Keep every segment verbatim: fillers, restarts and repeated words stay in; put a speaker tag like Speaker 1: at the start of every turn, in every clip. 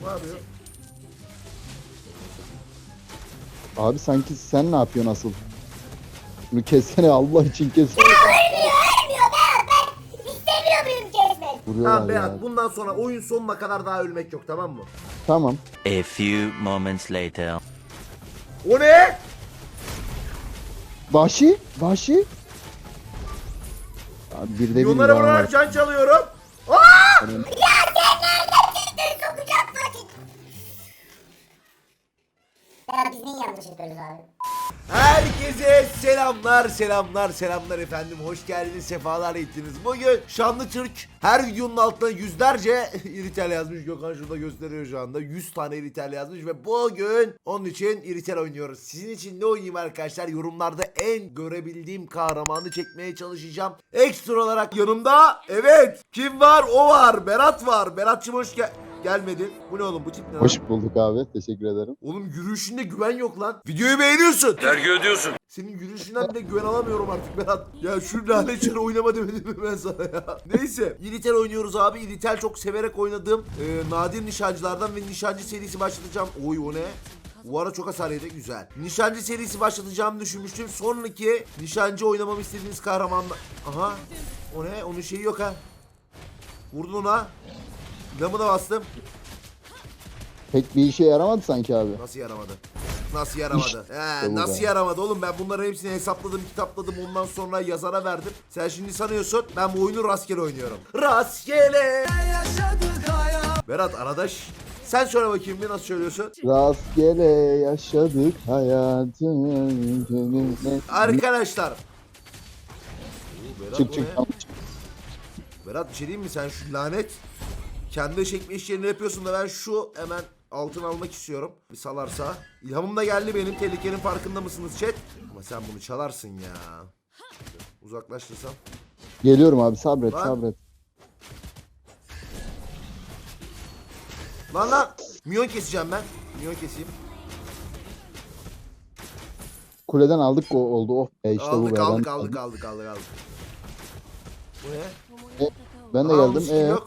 Speaker 1: Ne yapıyor?
Speaker 2: Abi sanki sen ne yapıyorsun asıl? Bunu kessene Allah için kes.
Speaker 3: İstemiyor muyum kesmek?
Speaker 2: Vuruyorlar
Speaker 1: Tamam
Speaker 2: ya.
Speaker 1: Berat, bundan sonra oyun sonuna kadar daha ölmek yok, tamam mı?
Speaker 2: Tamam.
Speaker 4: A few moments later.
Speaker 1: O ne?
Speaker 2: Vahşi. Vahşi. Abi bir de bir
Speaker 1: Milyonlara
Speaker 2: var.
Speaker 1: vurarak can çalıyorum. Aa!
Speaker 3: Sokacak vakit. Ya biz niye yanlış yapıyoruz abi?
Speaker 1: Herkese selamlar, selamlar, selamlar efendim. Hoş geldiniz, sefalar ettiniz. Bugün Şanlı Türk her videonun altına yüzlerce iritel yazmış. Gökhan şurada gösteriyor şu anda. yüz tane iritel yazmış ve bugün onun için iritel oynuyoruz. Sizin için ne oynayayım arkadaşlar? Yorumlarda en görebildiğim kahramanı çekmeye çalışacağım. Ekstra olarak yanımda, evet, kim var? O var. Berat var. Berat'cığım hoş gel gelmedin. Bu ne oğlum? Bu tip ne lan?
Speaker 2: Hoş bulduk abi. Teşekkür ederim.
Speaker 1: Oğlum yürüyüşünde güven yok lan. Videoyu beğeniyorsun.
Speaker 5: Vergi ödüyorsun.
Speaker 1: Senin yürüyüşünden bile güven alamıyorum artık Berat. Ya şu lanet çarı oynama demedim mi ben sana ya. Neyse. İritel oynuyoruz abi. İritel çok severek oynadığım e, nadir nişancılardan ve nişancı serisi başlatacağım. Oy o ne? Bu ara çok hasar yedi. Güzel. Nişancı serisi başlatacağımı düşünmüştüm. Sonraki nişancı oynamamı istediğiniz kahramanla... Aha. O ne? Onun şeyi yok ha. Vurdun ona. Lamı da bastım.
Speaker 2: Pek bir işe yaramadı sanki abi.
Speaker 1: Nasıl yaramadı? Nasıl yaramadı?
Speaker 2: İşte
Speaker 1: He,
Speaker 2: bu
Speaker 1: nasıl
Speaker 2: be.
Speaker 1: yaramadı oğlum? Ben bunların hepsini hesapladım, kitapladım. Ondan sonra yazara verdim. Sen şimdi sanıyorsun ben bu oyunu rastgele oynuyorum. Rastgele. Berat arkadaş, sen söyle bakayım bir nasıl söylüyorsun?
Speaker 2: Rastgele yaşadık hayatı.
Speaker 1: Arkadaşlar. Oo, Berat,
Speaker 2: Çık
Speaker 1: bu
Speaker 2: çık.
Speaker 1: ne?
Speaker 2: Tamam, çık.
Speaker 1: Berat bir şey diyeyim mi? Sen şu lanet kendi çekme işlerini yapıyorsun da ben şu hemen altın almak istiyorum. Bir salarsa. İlhamım da geldi benim. Tehlikenin farkında mısınız chat? Ama sen bunu çalarsın ya. Uzaklaştırsam.
Speaker 2: Geliyorum abi sabret
Speaker 1: Lan.
Speaker 2: sabret.
Speaker 1: Lan lan. Minyon keseceğim ben. Minyon keseyim.
Speaker 2: Kuleden aldık o oldu. Oh be işte bu
Speaker 1: aldık,
Speaker 2: be.
Speaker 1: aldık,
Speaker 2: Ben-
Speaker 1: aldık, aldık, aldık, aldık. Bu ne?
Speaker 2: Ben de
Speaker 1: Aa,
Speaker 2: geldim.
Speaker 1: muskin
Speaker 2: Ee,
Speaker 1: yok.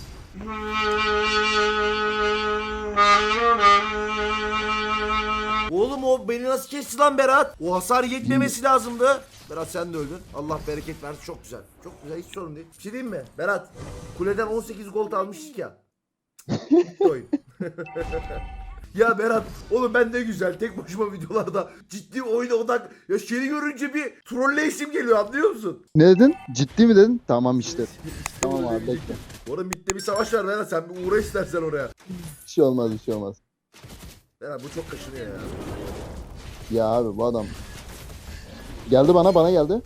Speaker 1: Oğlum o beni nasıl kesti lan Berat? O hasar yetmemesi lazımdı. Berat sen de öldün. Allah bereket versin. Çok güzel. Çok güzel. Hiç sorun değil. Bir şey diyeyim mi? Berat. Kuleden on sekiz gold almıştık ya. Bitti oyun. Ya Berat, oğlum ben ne güzel tek başıma videolarda ciddi oyuna odak. Ya seni görünce bir trolleysim geliyor, anlıyor musun?
Speaker 2: ne dedin? Ciddi mi dedin? Tamam işte. Tamam abi bekle.
Speaker 1: Orada midde bir savaş var Berat, sen bir uğra istersen oraya.
Speaker 2: Bir şey olmaz bir şey olmaz.
Speaker 1: Berat bu çok kaşınıyor ya.
Speaker 2: Ya abi bu adam. Geldi bana bana geldi.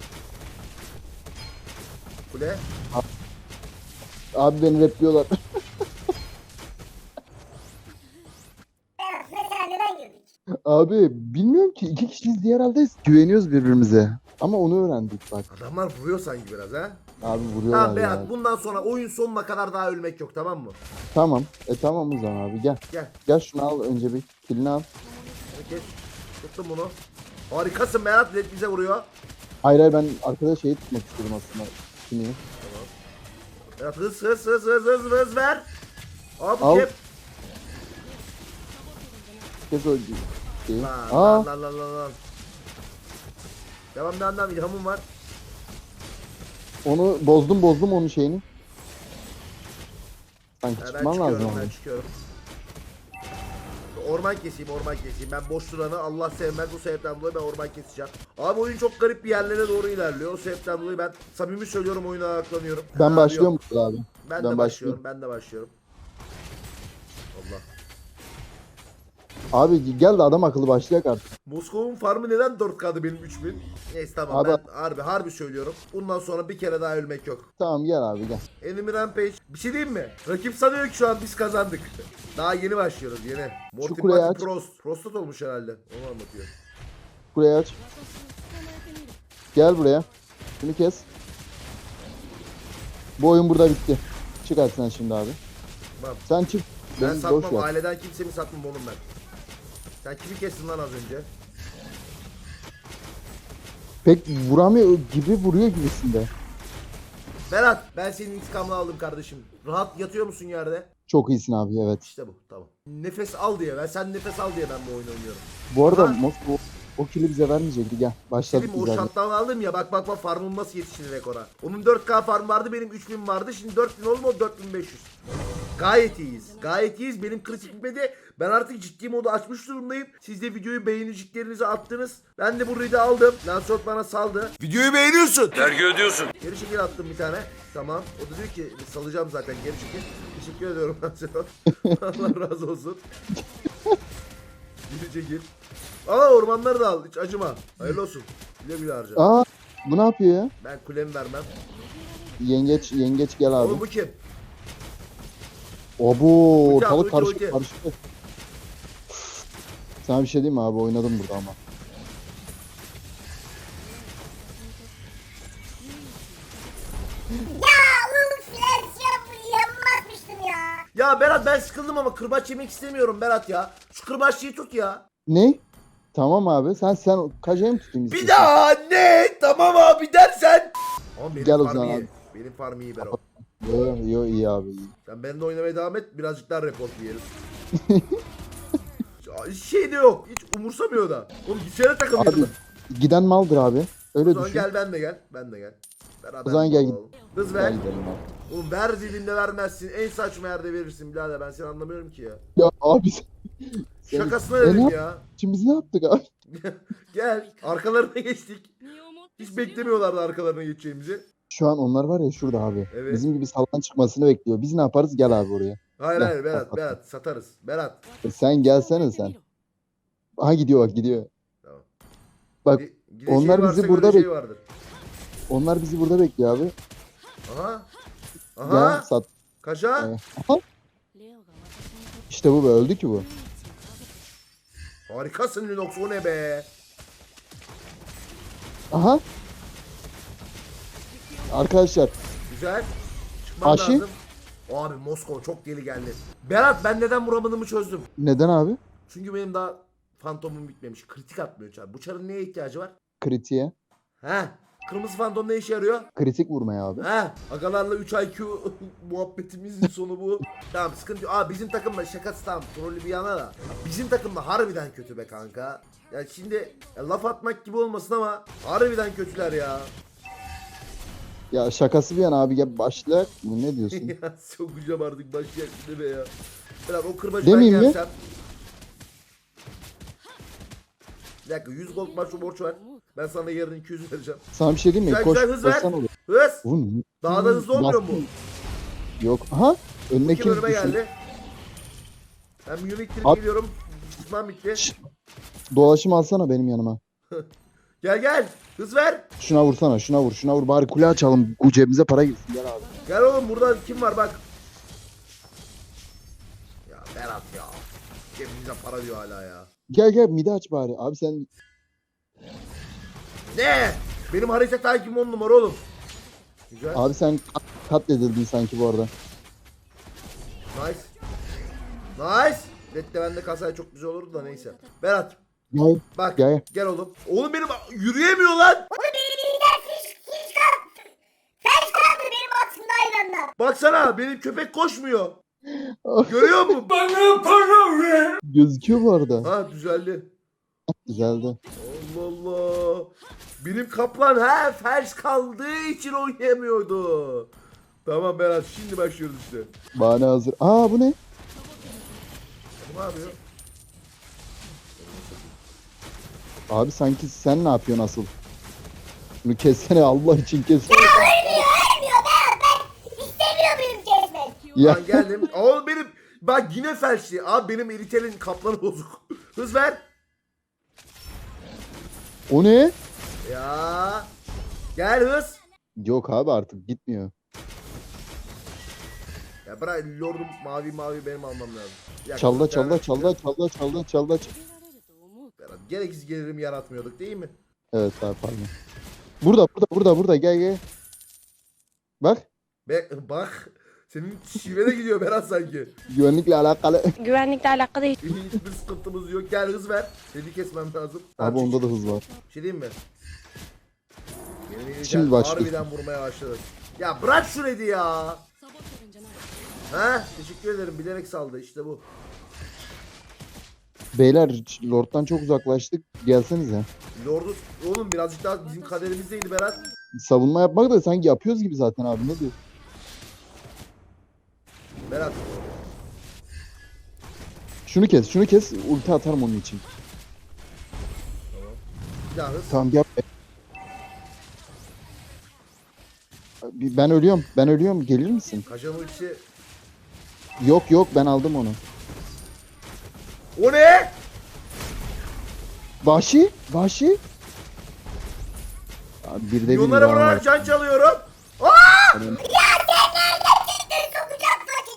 Speaker 1: Kule.
Speaker 2: Abi beni repliyorlar.
Speaker 3: Berat mesela neden girdik?
Speaker 2: Abi bilmiyorum ki iki kişiyiz diye herhalde güveniyoruz birbirimize. Ama onu öğrendik bak.
Speaker 1: Adamlar vuruyor sanki biraz ha.
Speaker 2: Abi vuruyorlar
Speaker 1: Tamam
Speaker 2: ya.
Speaker 1: Berat, bundan sonra oyun sonuna kadar daha ölmek yok, tamam mı?
Speaker 2: Tamam. E tamam o zaman abi gel.
Speaker 1: Gel.
Speaker 2: Gel şunu al önce bir. Kilini al.
Speaker 1: Hadi kes. Tuttum bunu. Harikasın Berat, Red bize vuruyor.
Speaker 2: Hayır hayır ben arkada şeyi tutmak istedim aslında. Kimi?
Speaker 1: Berat hız hız hız hız hız hız ver. Abi
Speaker 2: Al.
Speaker 1: kep.
Speaker 2: Kes o şeyi.
Speaker 1: Lan
Speaker 2: Aa.
Speaker 1: lan lan lan lan lan. Devam devam devam, ilhamım var.
Speaker 2: Onu bozdum bozdum onun şeyini. Sanki
Speaker 1: Ha, ben
Speaker 2: çıkman lazım
Speaker 1: çıkıyorum, ben
Speaker 2: abi.
Speaker 1: çıkıyorum. Orman keseyim, orman keseyim. Ben boş duranı Allah sevmez, bu sebepten dolayı ben orman keseceğim. Abi oyun çok garip bir yerlere doğru ilerliyor. O sebepten dolayı ben samimi söylüyorum, oyuna ayaklanıyorum.
Speaker 2: Ben
Speaker 1: Abi
Speaker 2: başlıyorum
Speaker 1: yok.
Speaker 2: burada abi.
Speaker 1: Ben,
Speaker 2: ben
Speaker 1: de
Speaker 2: başlıyorum.
Speaker 1: başlıyorum, ben de başlıyorum. Allah.
Speaker 2: Abi gel de adam akıllı başlayak artık.
Speaker 1: Moskova'nın farmı neden dört K'dı benim üç bin? Neyse tamam,
Speaker 2: Abi-
Speaker 1: ben harbi harbi söylüyorum. Bundan sonra bir kere daha ölmek yok.
Speaker 2: Tamam gel abi gel.
Speaker 1: Enemy Rampage. Bir şey diyeyim mi? Rakip sanıyor ki şu an biz kazandık. Daha yeni başlıyoruz, yeni. Morty
Speaker 2: kuleyi
Speaker 1: Marty
Speaker 2: aç.
Speaker 1: Prost. Prostat olmuş herhalde. Onu anlatıyor.
Speaker 2: Buraya aç. Gel buraya. Şunu kes. Bu oyun burada bitti. Çık hadi sen şimdi abi.
Speaker 1: Tamam.
Speaker 2: Sen çık.
Speaker 1: Ben
Speaker 2: Beni boş
Speaker 1: satmam,
Speaker 2: ver.
Speaker 1: aileden kimsemi satmam oğlum ben. Sen kimi kestin lan az önce?
Speaker 2: Pek vuramıyor gibi vuruyor gibisinde.
Speaker 1: Berat, ben senin intikamını aldım kardeşim. Rahat yatıyor musun yerde?
Speaker 2: Çok iyisin abi, evet.
Speaker 1: İşte bu, tamam. Nefes al diye ben sen nefes al diye ben bu oyunu oynuyorum.
Speaker 2: Bu arada
Speaker 1: Ha.
Speaker 2: Moskova o kili bize vermeyecekti. Gel başladık
Speaker 1: Selim
Speaker 2: biz
Speaker 1: o
Speaker 2: zaten.
Speaker 1: shutdown aldım ya bak bak bak farmım nasıl yetişti rekora. Onun dört K farm vardı benim üç bin vardı şimdi dört bin oldu dört bin beş yüz. Gayet iyiyiz. Gayet iyiyiz. Benim kritik bitmedi. Ben artık ciddi modu açmış durumdayım. Siz de videoyu beğeniciklerinizi attınız. Ben de bu read'i aldım. Lancelot bana saldı. Videoyu beğeniyorsun.
Speaker 5: Vergi ödüyorsun.
Speaker 1: Geri çekil attım bir tane. Tamam. O da diyor ki salacağım zaten geri çekil. Teşekkür ediyorum Lancelot. Allah razı olsun. Geri çekil. Aa ormanları da al. Hiç acıma. Hayırlı olsun. Güle güle harca.
Speaker 2: Aa, bu ne yapıyor ya?
Speaker 1: Ben kulemi vermem.
Speaker 2: Yengeç yengeç gel abi.
Speaker 1: Oğlum bu kim?
Speaker 2: Abo
Speaker 1: Ulti at,
Speaker 2: ortalık
Speaker 1: ulti, ulti.
Speaker 2: karışık karışık. Sana bir şey diyeyim mi abi, oynadım burada ama.
Speaker 3: Ya oğlum flash yap yanmazmıştım ya.
Speaker 1: Ya Berat ben sıkıldım ama kırbaç yemek istemiyorum Berat ya. Şu kırbaçlıyı tut ya.
Speaker 2: Ne? Tamam abi, sen sen kajayı mı tutayım
Speaker 1: Bir
Speaker 2: istiyorsan?
Speaker 1: daha ne? Tamam abi dersen. Ama benim
Speaker 2: Gel o
Speaker 1: farm
Speaker 2: zaman
Speaker 1: iyi.
Speaker 2: abi.
Speaker 1: Benim farm iyi Berat.
Speaker 2: Yo yo iyi abi iyi.
Speaker 1: Sen benimle oynamaya devam et birazcık daha report yiyelim. Hiç şey de yok. Hiç umursamıyor da. Oğlum gitsene takım
Speaker 2: Abi
Speaker 1: yanına.
Speaker 2: giden maldır abi.
Speaker 1: O
Speaker 2: Öyle
Speaker 1: zaman
Speaker 2: düşün.
Speaker 1: gel ben de gel. Ben de gel. Beraber
Speaker 2: O zaman gel
Speaker 1: olalım. Hız
Speaker 2: Gel
Speaker 1: ver.
Speaker 2: gidelim abi.
Speaker 1: Oğlum ver dediğinde vermezsin. En saçma yerde verirsin birader. Ben seni anlamıyorum ki ya.
Speaker 2: Ya abi sen... sen-
Speaker 1: Şakasına
Speaker 2: E, ne
Speaker 1: dedim
Speaker 2: yap-
Speaker 1: ya.
Speaker 2: Şimdi biz ne yaptık abi?
Speaker 1: Gel. Arkalarına geçtik. Hiç beklemiyorlardı arkalarına geçeceğimizi.
Speaker 2: Şu an onlar var ya şurada abi.
Speaker 1: Evet.
Speaker 2: Bizim gibi sallan çıkmasını bekliyor. Biz ne yaparız? Gel abi oraya.
Speaker 1: Hayır
Speaker 2: Gel,
Speaker 1: hayır Berat
Speaker 2: bak, bak.
Speaker 1: Berat satarız. Berat.
Speaker 2: E, sen gelsene sen. Aha gidiyor bak gidiyor.
Speaker 1: Tamam.
Speaker 2: Bak
Speaker 1: Gi- gideceği
Speaker 2: onlar bizi
Speaker 1: varsa
Speaker 2: burada
Speaker 1: göreceği
Speaker 2: bek-
Speaker 1: vardır.
Speaker 2: onlar bizi burada bekliyor abi.
Speaker 1: Aha.
Speaker 2: Gel
Speaker 1: Aha.
Speaker 2: sat.
Speaker 1: Kaşa.
Speaker 2: Evet. Aha. İşte bu be, öldü ki bu.
Speaker 1: Harikasın Lunox o ne be.
Speaker 2: Aha. Arkadaşlar
Speaker 1: Güzel. Çıkmam
Speaker 2: Aşı?
Speaker 1: lazım. Abi Moskova çok deli geldi. Berat ben neden vuramadığımı çözdüm.
Speaker 2: neden abi?
Speaker 1: Çünkü benim daha fantomum bitmemiş. Kritik atmıyor çar. Bu çarın neye ihtiyacı var?
Speaker 2: Kritiğe.
Speaker 1: He. Kırmızı fantom ne işe yarıyor?
Speaker 2: Kritik vurmaya abi.
Speaker 1: He. Agalarla üç I Q muhabbetimizin sonu bu. Tamam sıkıntı yok. Aa bizim takımda şakası tamam. Trollü bir yana da. Bizim takımda harbiden kötü be kanka. Ya şimdi ya laf atmak gibi olmasın ama harbiden kötüler ya.
Speaker 2: Ya şakası bir yana abi, gel başla. Ne diyorsun?
Speaker 1: Ya sokacağım artık başlayak ne be ya. Biraz o kırbacı
Speaker 2: Demeyeyim
Speaker 1: ben
Speaker 2: mi?
Speaker 1: gelsem. Bir dakika yüz gold maç borç ver. Ben sana yarın iki yüz vereceğim.
Speaker 2: Sana bir şey diyeyim mi?
Speaker 1: Güzel
Speaker 2: Koş,
Speaker 1: güzel hız ver.
Speaker 2: koşsan olur.
Speaker 1: Hız.
Speaker 2: Bu ne?
Speaker 1: Daha da hızlı olmuyor mu?
Speaker 2: Yok. Aha. Önüne
Speaker 1: Kim
Speaker 2: kim
Speaker 1: önüme
Speaker 2: düşün?
Speaker 1: geldi? Ben bir yürek
Speaker 2: At.
Speaker 1: geliyorum. Tutmam bitti.
Speaker 2: Şşt. Dolaşım alsana benim yanıma.
Speaker 1: Gel gel. Hız ver.
Speaker 2: Şuna vursana, şuna vur, şuna vur. Bari kule açalım. Bu cebimize para girsin. Gel abi.
Speaker 1: Gel oğlum burada kim var bak. Ya Berat ya. Cebimize para diyor hala ya.
Speaker 2: Gel gel mide aç bari. Abi sen
Speaker 1: Ne? Benim harita takibim on numara oğlum. Güzel.
Speaker 2: abi sen kat, katledildin sanki bu arada.
Speaker 1: Nice. Nice. Redde bende kasaya çok güzel olurdu da neyse. Berat.
Speaker 2: Gel.
Speaker 1: Bak
Speaker 2: Gel.
Speaker 1: gel oğlum. Oğlum benim yürüyemiyor lan.
Speaker 3: Oğlum benim elinden fiş fiş kaldı. Fiş kaldı benim altımda hayvanlar.
Speaker 1: Baksana benim köpek koşmuyor. Görüyor musun?
Speaker 2: Gözüküyor bu arada.
Speaker 1: Ha düzeldi.
Speaker 2: Güzeldi.
Speaker 1: Allah Allah. Benim kaplan ha felç kaldığı için oynayamıyordu. Tamam Berat şimdi başlıyoruz işte.
Speaker 2: Bahane hazır. Aa bu ne?
Speaker 1: Ne yapıyor?
Speaker 2: Abi sanki sen ne yapıyorsun asıl? Bunu kessene Allah için kessene.
Speaker 3: Ölmüyor ölmüyor ben ben istemiyor muyum kesmek?
Speaker 2: Ya
Speaker 1: Ben geldim. Oğlum benim bak yine felçli. Abi benim eritelin kaplanı bozuk. Hız ver.
Speaker 2: o ne?
Speaker 1: Ya. Gel hız.
Speaker 2: Yok abi artık gitmiyor.
Speaker 1: Ya bırak lordum mavi mavi benim almam lazım. Ya,
Speaker 2: Çalda
Speaker 1: bir tane-
Speaker 2: çalda çalda çalda çalda çalda.
Speaker 1: Berat, gereksiz gelirim yaratmıyorduk değil mi?
Speaker 2: Evet abi pardon. Burada burada burada burada gel gel. Bak
Speaker 1: Be bak. Senin şive de gidiyor Berat sanki.
Speaker 2: güvenlikle alakalı.
Speaker 6: Güvenlikle alakalı hiç
Speaker 1: Hiçbir sıkıntımız yok. Gel hız ver. Seni kesmem lazım.
Speaker 2: Abi onda da hız var.
Speaker 1: Bir şey diyeyim mi? Yemin ediyorum
Speaker 2: Şimdi başlıyor.
Speaker 1: harbiden vurmaya başladı. Ya bırak şu redi ya. Ha, teşekkür ederim. Bilerek saldı. İşte bu.
Speaker 2: Beyler Lord'dan çok uzaklaştık. Gelsenize.
Speaker 1: Lord'u oğlum birazcık daha bizim kaderimizdeydi Berat.
Speaker 2: Savunma yapmak da sanki yapıyoruz gibi zaten abi, ne diyor?
Speaker 1: Berat.
Speaker 2: Şunu kes, şunu kes. Ulti atarım onun için.
Speaker 1: Bir daha hız.
Speaker 2: Tamam gel. Ben ölüyorum. Ben ölüyorum. Gelir misin?
Speaker 1: Kaşan ultisi.
Speaker 2: Yok yok, ben aldım onu.
Speaker 1: O ne?
Speaker 2: Vahşi. Vahşi. Abi bir de bir
Speaker 1: Milyonlara
Speaker 2: daha
Speaker 1: vurarak
Speaker 2: var.
Speaker 1: can çalıyorum. Aa!
Speaker 2: Benim-
Speaker 3: Sokacak fakir.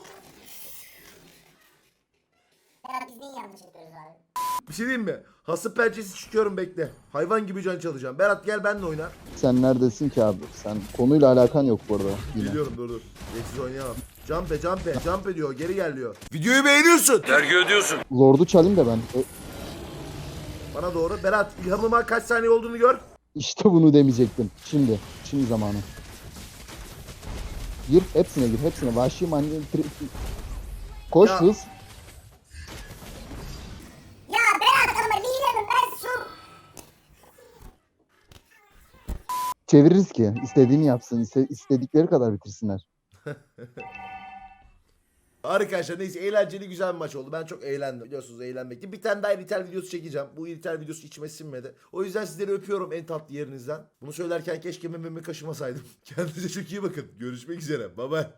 Speaker 3: Ya biz neyi yanlış yapıyoruz abi?
Speaker 1: Bir şey diyeyim mi? Hasıp pençesi çıkıyorum bekle. Hayvan gibi can çalacağım. Berat gel benle oyna.
Speaker 2: Sen neredesin ki abi? Sen konuyla alakan yok bu arada. Yine.
Speaker 1: Biliyorum dur dur. Geksiz oynayamam. Jump jump jump diyor. Geri gel diyor. Videoyu beğeniyorsun.
Speaker 2: Lord'u çalayım da ben. Ö-
Speaker 1: Bana doğru. Berat ilhamıma kaç saniye olduğunu gör.
Speaker 2: İşte bunu demeyecektim. Şimdi. Şimdi zamanı. Gir. Hepsine gir. Hepsine. Vahşi mani. tri- Koş
Speaker 1: Ya.
Speaker 2: hız.
Speaker 3: Ya Berat ama liderim ben su.
Speaker 2: Çeviririz ki. İstediğini yapsın. iste- istedikleri kadar bitirsinler.
Speaker 1: Arkadaşlar neyse eğlenceli güzel bir maç oldu. Ben çok eğlendim. Biliyorsunuz eğlenmekti. Bir tane daha iritel videosu çekeceğim. Bu iritel videosu içime sinmedi. O yüzden sizleri öpüyorum en tatlı yerinizden. Bunu söylerken keşke mememi kaşımasaydım. Kendinize çok iyi bakın. Görüşmek üzere. Bye bye.